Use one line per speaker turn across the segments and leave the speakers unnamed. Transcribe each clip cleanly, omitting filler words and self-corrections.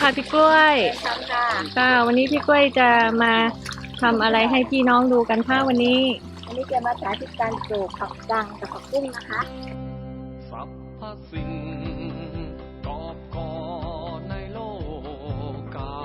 ค่ะพี่กล้วย
ค่ะ
ค่ะวันนี้พี่กล้วยจะมาทำอะไรให้พี่น้องดูกันค่ะวันนี้
จะมาสาธิตการปลูกผักกังกับผักบุ้งนะคะ
สรรพสิ่งกอบกอในโลกา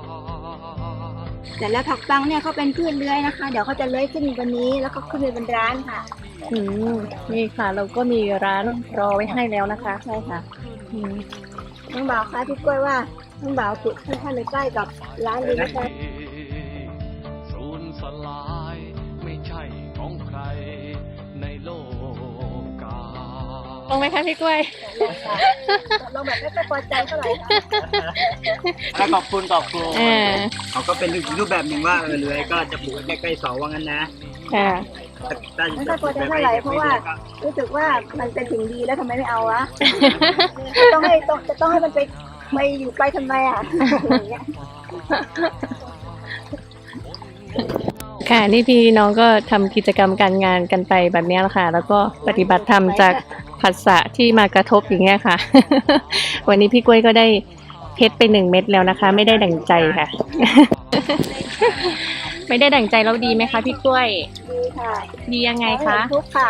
แต่แล้วผักกังเนี่ยเขาเป็นพืชเลื้อยนะคะเดี๋ยวเขาจะเลื้อยขึ้นบนนี้แล้วก็ขึ้นไปบนร้านค่ะ
นี่ค่ะเราก็มีร้านรอไว้ให้แล้วนะคะ
ใช่ค่ะน้องบ่าวคะพี่กล้วยว่าน้องบ่าวปลูกให้ท่านเลยใกล้กับร้านเลยนะคะ
สูญสลายไม่ใช่ของใครในโลกา
ลงไหมคะพี่กล้วย
ลงแบบไม่ค่อยพอใจเท่าไหร่
ค่ะขอบคุณเขาก็เป็นรูปแบบหนึ่งว่าเลื้อยก็จะปลูกใกล้ๆเสาว่างั้นนะ
ค่ะ
ไม่ค่อยพอใจเท่าไหร่เพราะว่ารู้สึกว่ามันเป็นสิ่งดีแล้วทำไมไม่เอาวะต้องให้มันไปอยู่ไกลทำไมอ่ะ
ค่ะนี่พี่น้องก็ทำกิจกรรมการงานกันไปแบบนี้แหละค่ะแล้วก็ปฏิบัติธรรมจากผัสสะที่มากระทบอย่างเงี้ยค่ะ วันนี้พี่กล้วยก็ได้เพชรไป1 เม็ดแล้วนะคะไม่ได้ดั่งใจค่ะ ไม่ได้ดั่งใจแล้วดีไหมคะพี่กล้วย
ดีค่ะ
ดียังไงคะ
ทุกค่ะ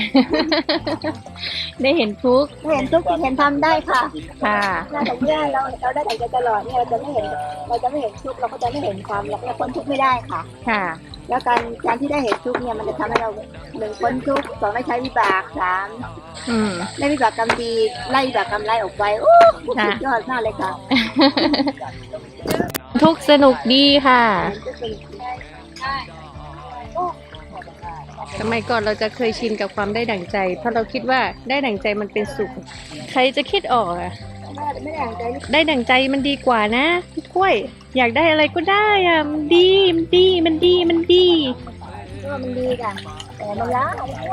ได้เห็นทุก
เห็นทำได้ค่ะ
ค่ะ
แต่เมื่อเราได้ดั่งใจตลอดเนี่ยเราจะไม่เห็นทุกเราก็จะไม่เห็นความเราพ้นทุกไม่ได้ค่ะ
ค่ะ
แล้วการที่ได้เห็นทุกเนี่ยมันจะทำให้เรา1พ้นทุก2ไม่ใช้วิบาก3ได้วิบากกรรมดีไล่วิบากกรรมไล่ออกไปโอ้สุดยอดมากเลยค่ะ
ทุกสนุกดีค่ะสมัยก่อนเราจะเคยชินกับความได้ดั่งใจเพราะเราคิดว่าได้ดั่งใจมันเป็นสุขใครจะคิดออกอะได้ดั่งใจมันดีกว่านะพี่กล้วยอยากได้อะไรก็ได้อะมันดีก็มัน
ดีค่ะแต่มันล้ามันชั่ว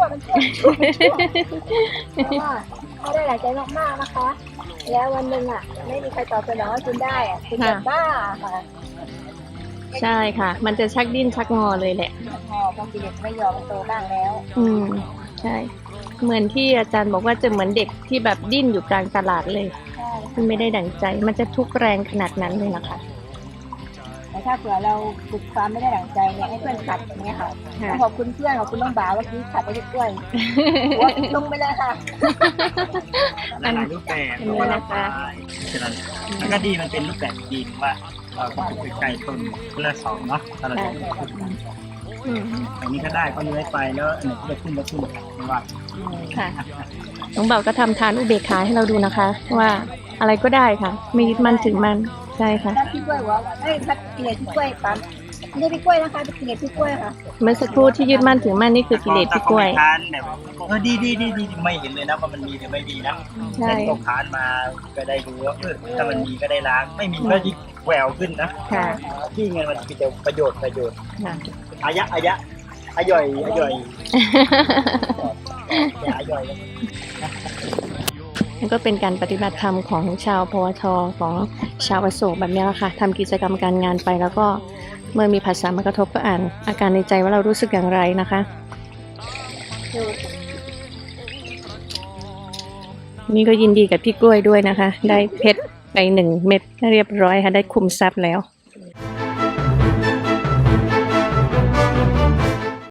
เขาได้หลายใจมากๆนะคะแล้ววันหนึ่งอ่ะไม่มีใครตอบสนองให้คุณได้อ่ะคุณจะบ้าค่ะ
ใช่ค่ะมันจะชักดิ้นชักงอเลยแหละ
พอกิเลสไม่ยอมมันโตบ้างแล้ว
ใช่เหมือนที่อาจารย์บอกว่าจะเหมือนเด็กที่แบบดิ้นอยู่กลางตลาดเลยมันไม่ได้ดั่งใจมันจะทุกข์แรงขนาดนั้นเลยนะคะ
แต่ถ้าเผื่อเราฝึกความไม่ได้ดั่งใจเนี่ยให้เพื่อนขัดอย่างเงี้ยค่ะขอบคุณเพื่อนขอบคุณน้องบ่าวว่าที่ขัดไปด้วยลงไปเลยค่ะ
หลายรูปแบบนะคะฉะนั้นก็ดีมันเป็นรูปแบบดีว่าเราก็ปลูกไก่ต้นคนละ2เนาะถ้าเราจะอันนี้ก็ได้ก็เลื้อยไปแล้วอันไหนที่จะขึ้นไม่ว่า
ค่ะน้องเบาก็ทำทานอุเบกขาให้เราดูนะคะว่าอะไรก็ได้ค่ะไม่ยึดมั่นถึงมันใช่ค่ะ
พี่กล้วยว่าพัดกิเลสพี่กล้วยปั๊มไม่ใช่พี่กล้วยนะคะเป็นกิเลสพี่กล้วยค่ะ
เมื่อสักครู่ที่ยึดมั่นถึงมั่นนี่คือกิเลสพี่กล้วย
ดีไม่เห็นเลยนะว่ามันมีหรือไม่ดีนะแต่ที่เขาค้านมาก็ได้รู้ว่าถ้ามันมีก็ได้ล้างไม่มีก็ยิ่งแหววขึ้นนะที่เงินมันมีแต่ประโยชน์อายะอย่อย
มันก็เป็นการปฏิบัติธรรมของชาวพวทของชาวอโศกแบบนี้แหละค่ะทำกิจกรรมการงานไปแล้วก็เมื่อมีภาษามากระทบก็อ่านอาการในใจว่าเรารู้สึกอย่างไรนะคะนี่ก็ยินดีกับพี่กล้วยด้วยนะคะได้เพชรไป1 เม็ดเรียบร้อยค่ะได้คุมทรัพย์แล้ว